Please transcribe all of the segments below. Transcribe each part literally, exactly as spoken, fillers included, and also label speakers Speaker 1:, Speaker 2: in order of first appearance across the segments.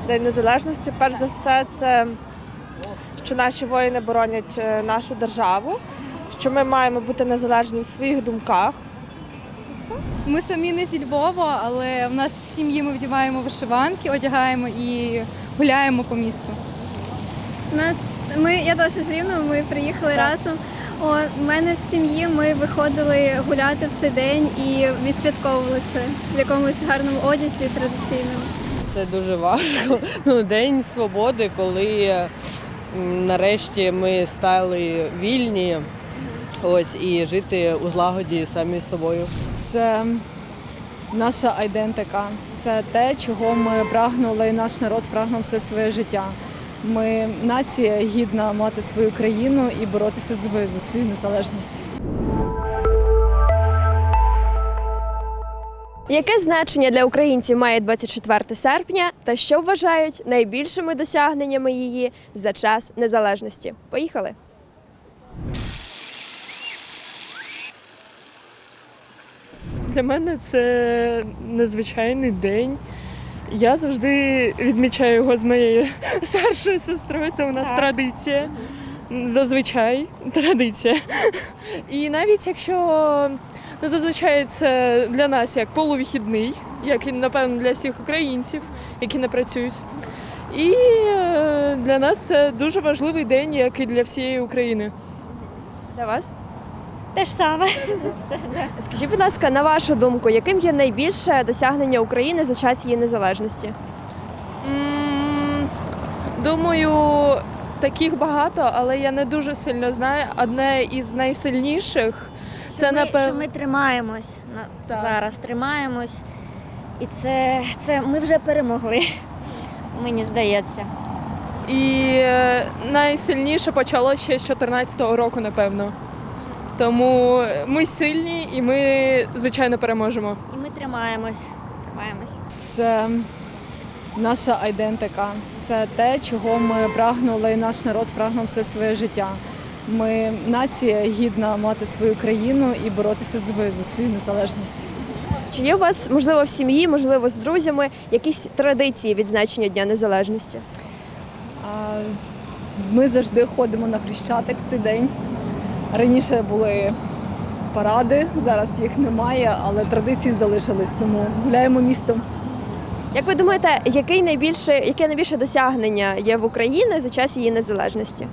Speaker 1: День Незалежності, перш за все, це що наші воїни боронять е, нашу державу, що ми маємо бути незалежні в своїх думках.
Speaker 2: Ми самі не зі Львова, але в нас в сім'ї ми вдягаємо вишиванки, одягаємо і гуляємо по місту.
Speaker 3: У нас ми я теж з Рівного, ми приїхали разом. О, у мене в сім'ї ми виходили гуляти в цей день і відсвятковували це в якомусь гарному одязі традиційному.
Speaker 4: Це дуже важко. Ну, День свободи, коли м, нарешті ми стали вільні, ось, і жити у злагоді самі з собою.
Speaker 5: Це наша айдентика, це те, чого ми прагнули, і наш народ прагнув все своє життя. Ми нація гідна мати свою країну і боротися за за свою незалежність.
Speaker 6: Яке значення для українців має двадцять четверте серпня та що вважають найбільшими досягненнями її за час незалежності? Поїхали!
Speaker 7: Для мене це незвичайний день. Я завжди відмічаю його з моєю старшою сестрою. Це у нас так. Традиція. Зазвичай традиція. І навіть якщо ну, зазвичай це для нас як полувихідний, як і, напевно, для всіх українців, які не працюють. І для нас це дуже важливий день, як і для всієї України.
Speaker 6: Для вас?
Speaker 8: Те ж саме.
Speaker 6: Скажіть, будь ласка, на вашу думку, яким є найбільше досягнення України за час її незалежності?
Speaker 7: М, Думаю, таких багато, але я не дуже сильно знаю. Одне із найсильніших – це,
Speaker 8: Що ми,
Speaker 7: напевно…
Speaker 8: що ми тримаємось на-
Speaker 7: Так.
Speaker 8: зараз, тримаємось. І це, це ми вже перемогли, мені здається.
Speaker 7: І е, найсильніше почало ще з чотирнадцятого року, напевно. Тому ми сильні і ми, звичайно, переможемо.
Speaker 8: І ми тримаємось, тримаємось.
Speaker 5: Це наша айдентика, це те, чого ми прагнули, і наш народ прагнув все своє життя. Ми нація гідна мати свою країну і боротися за за свою незалежність.
Speaker 6: Чи є у вас, можливо, в сім'ї, можливо, з друзями, якісь традиції відзначення Дня Незалежності?
Speaker 5: А, Ми завжди ходимо на Хрещатик в цей день. Раніше були паради, зараз їх немає, але традиції залишились, тому гуляємо містом.
Speaker 6: Як ви думаєте, який найбільше, яке найбільше досягнення є в Україні за час її незалежності?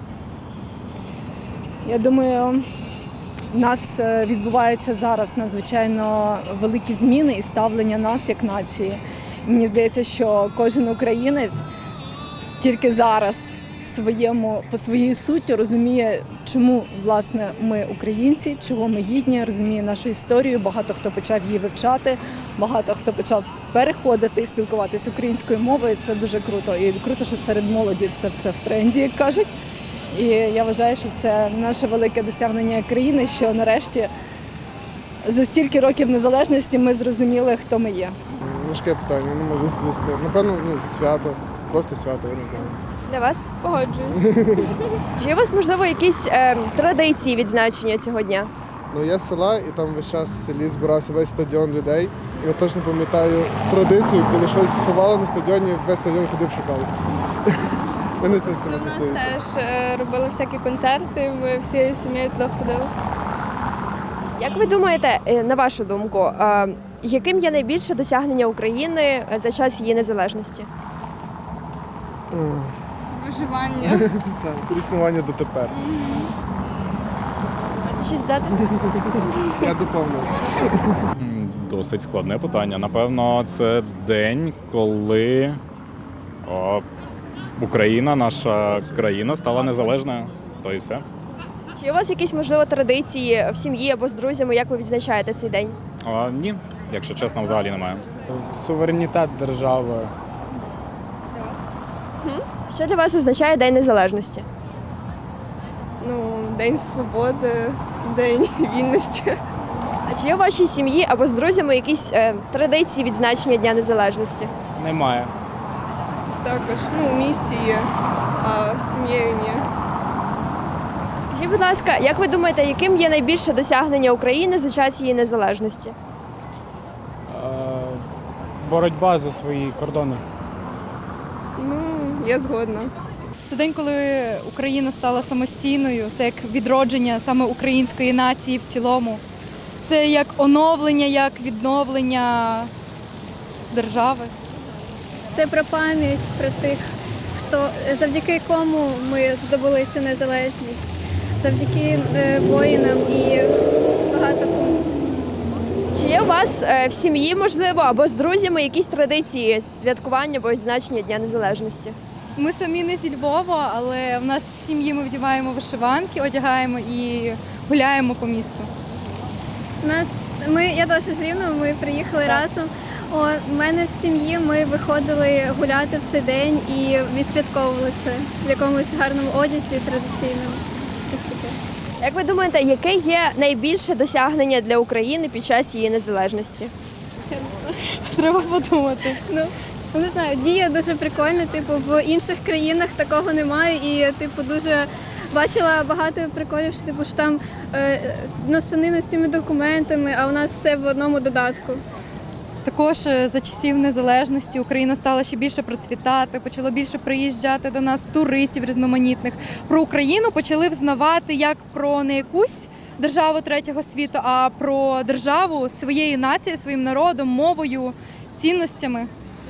Speaker 5: Я думаю, у нас е, відбуваються зараз надзвичайно великі зміни і ставлення нас як нації. Мені здається, що кожен українець тільки зараз в своєму, по своїй суті розуміє, чому, власне, ми українці, чого ми гідні, розуміє нашу історію. Багато хто почав її вивчати, багато хто почав переходити і спілкуватися українською мовою. Це дуже круто. І круто, що серед молоді це все в тренді, як кажуть. І я вважаю, що це наше велике досягнення країни, що нарешті за стільки років незалежності ми зрозуміли, хто ми є.
Speaker 9: Важке питання, не можу відповісти. Напевно, ну, свято, просто свято, я не знаю.
Speaker 6: Для вас? Погоджуюсь. Чи є у вас, можливо, якісь е, традиції відзначення цього дня?
Speaker 9: Ну, я з села, і там весь час в селі збирався весь стадіон людей. І я точно пам'ятаю традицію, коли щось ховали на стадіоні, весь стадіон ходив шукав. Мене теж
Speaker 1: У нас
Speaker 9: асоціюється.
Speaker 1: теж е, робили всякі концерти, ми всією сім'єю туди ходили.
Speaker 6: Як ви думаєте, е, на вашу думку, е, яким є найбільше досягнення України за час її незалежності?
Speaker 1: Виживання.
Speaker 9: Так, існування дотепер.
Speaker 6: Щось дати?
Speaker 9: Я доповнив.
Speaker 10: Досить складне питання. Напевно, це день, коли о, Україна, наша країна, стала незалежною. То і все.
Speaker 6: Чи є у вас якісь, можливо, традиції в сім'ї або з друзями, як ви відзначаєте цей день?
Speaker 10: А, ні, якщо чесно, взагалі немає.
Speaker 11: Суверенітет держави.
Speaker 6: Що для вас означає День Незалежності?
Speaker 1: Ну, День свободи, День вільності.
Speaker 6: А чи є у вашій сім'ї або з друзями якісь е, традиції відзначення Дня Незалежності?
Speaker 11: Немає.
Speaker 1: Також, ну, в місті є, а з сім'єю ні.
Speaker 6: Скажіть, будь ласка, як ви думаєте, яким є найбільше досягнення України за час її незалежності?
Speaker 11: Е, боротьба за свої кордони.
Speaker 1: я згодна.
Speaker 2: Це день, коли Україна стала самостійною, це як відродження саме української нації в цілому. Це як оновлення, як відновлення держави.
Speaker 3: Це про пам'ять, про тих, хто завдяки кому ми здобули цю незалежність, завдяки е, воїнам і багато кому.
Speaker 6: Чи є у вас е, в сім'ї, можливо, або з друзями якісь традиції святкування або відзначення Дня Незалежності?
Speaker 2: Ми самі не зі Львова, але в нас в сім'ї ми вдіваємо вишиванки, одягаємо і гуляємо по місту.
Speaker 3: У нас ми я теж з Рівного, ми приїхали разом. О, в мене в сім'ї ми виходили гуляти в цей день і відсвятковували це в якомусь гарному одязі традиційному. Ось таке.
Speaker 6: Як ви думаєте, яке є найбільше досягнення для України під час її незалежності?
Speaker 2: Треба подумати.
Speaker 3: Ну, не знаю, дія дуже прикольна, типу, в інших країнах такого немає і, типу, дуже бачила багато приколів, що, типу, що там е, носанина з цими документами, а у нас все в одному додатку.
Speaker 2: Також е, за часів незалежності Україна стала ще більше процвітати, почало більше приїжджати до нас туристів різноманітних. Про Україну почали взнавати як про не якусь державу третього світу, а про державу своєю нацією, своїм народом, мовою, цінностями.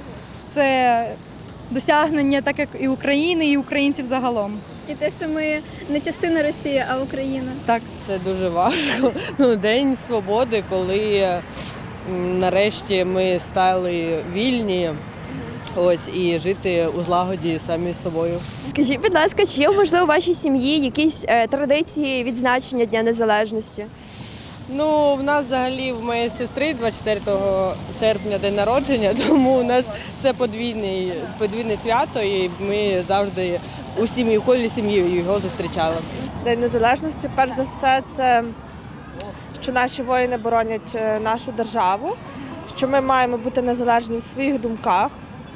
Speaker 2: Це досягнення так як і України, і українців загалом.
Speaker 3: І те, що ми не частина Росії, а Україна.
Speaker 2: Так.
Speaker 4: Це дуже важко. Ну, День свободи, коли м, нарешті ми стали вільні. Ось, і жити у злагоді самі з собою.
Speaker 6: Скажіть, будь ласка, чи є, можливо, у вашій сім'ї якісь е, традиції відзначення Дня Незалежності?
Speaker 4: Ну, в нас взагалі в моєї сестри двадцять четвертого серпня день народження, тому у нас це подвійне, подвійне свято, і ми завжди у сім'ї, в колі сім'ї його зустрічали.
Speaker 1: День Незалежності, перш за все, це що наші воїни боронять е, нашу державу, що ми маємо бути незалежні в своїх думках.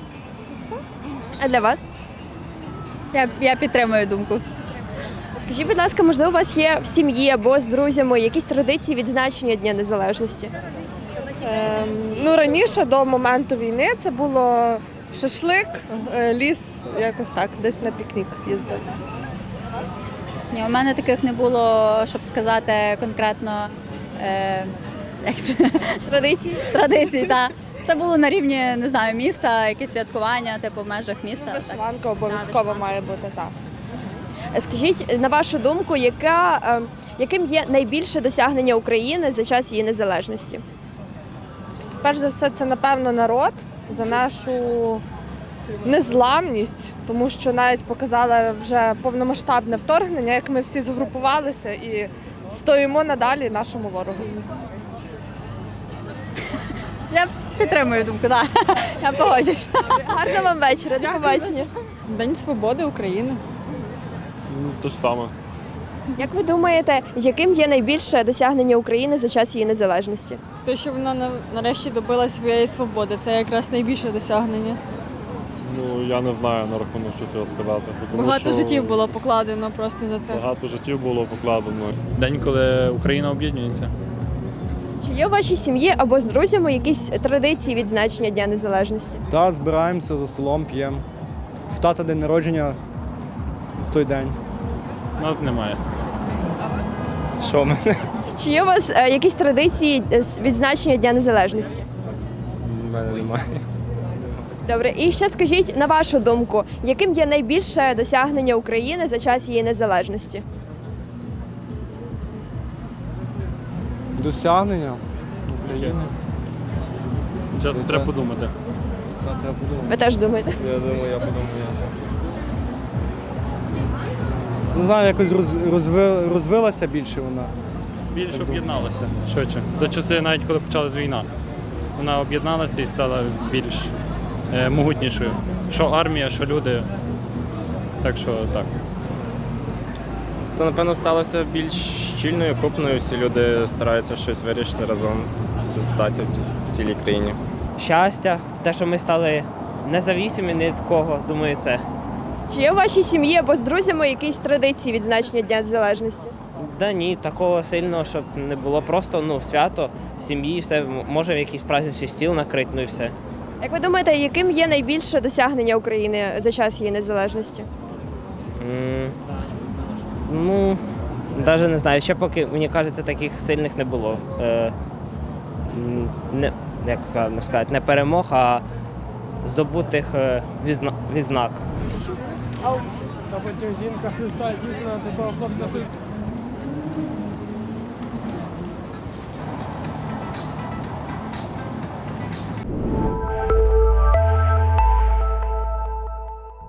Speaker 6: А для вас?
Speaker 2: Я, я підтримую думку.
Speaker 6: Скажіть, будь ласка, можливо, у вас є в сім'ї або з друзями якісь традиції відзначення Дня Незалежності?
Speaker 1: Ем, ну, раніше, до моменту війни, це було шашлик, е, ліс, якось так, десь на пікнік їздили.
Speaker 12: Ні, у мене таких не було, щоб сказати конкретно е, як це?
Speaker 6: Традиції?
Speaker 12: Традицій. Та. Це було на рівні, не знаю, міста, якісь святкування, типу в межах міста. Так.
Speaker 1: Вишиванка обов'язково має бути, так.
Speaker 6: Скажіть, на вашу думку, яка, е, яким є найбільше досягнення України за час її незалежності?
Speaker 1: Перш за все, це, напевно, народ за нашу незламність, тому що навіть показали вже повномасштабне вторгнення, як ми всі згрупувалися і стоїмо надалі нашому ворогу.
Speaker 12: Я підтримую думку, так. Я погоджуюсь.
Speaker 6: Гарного вам вечора, до побачення.
Speaker 7: День свободи України.
Speaker 10: Те ж саме.
Speaker 6: Як ви думаєте, яким є найбільше досягнення України за час її незалежності?
Speaker 7: Те, що вона нарешті добила своєї свободи, це якраз найбільше досягнення.
Speaker 10: Ну, я не знаю на рахунок, що цього сказати. Тому
Speaker 7: Багато
Speaker 10: що
Speaker 7: життів було покладено просто за це.
Speaker 10: Багато життів було покладено.
Speaker 11: День, коли Україна об'єднується.
Speaker 6: Чи є у вашій сім'ї або з друзями якісь традиції відзначення Дня Незалежності?
Speaker 13: Так, збираємося за столом, п'ємо. В тата день народження в той день.
Speaker 11: Нас немає.
Speaker 13: Що ми?
Speaker 6: Чи є у вас е, якісь традиції е, з відзначення Дня Незалежності?
Speaker 13: У мене немає.
Speaker 6: Добре, і ще скажіть, на вашу думку, яким є найбільше досягнення України за час її незалежності?
Speaker 13: Досягнення України.
Speaker 11: Зараз треба подумати.
Speaker 13: Так, треба подумати.
Speaker 6: Ви теж думаєте?
Speaker 13: Я думаю, я подумаю. Не знаю, якось роз- розви- розвилася більше вона.
Speaker 11: Більше об'єдналася швидше. За часи, навіть коли почалась війна, вона об'єдналася і стала більш е, могутнішою. Що армія, що люди. Так що так.
Speaker 14: То, напевно, сталося більш щільною, крупною. Всі люди стараються щось вирішити разом цю ситуацію в цілій країні.
Speaker 15: Щастя, те, що ми стали независимі ні від кого, думаю, це.
Speaker 6: Чи є у вашій сім'ї або з друзями якісь традиції відзначення Дня Незалежності?
Speaker 15: Да ні, такого сильного, щоб не було просто ну, свято в сім'ї, все, може якийсь праздничний стіл накрити, ну і все.
Speaker 6: Як ви думаєте, яким є найбільше досягнення України за час її незалежності?
Speaker 15: М, Ну, навіть не знаю, ще поки, мені кажеться, таких сильних не було. Е, м, не, як правильно сказати, не перемог, а здобутих е, відзна- відзнак.
Speaker 13: А потім жінка хрестає дівчина до того хлопця.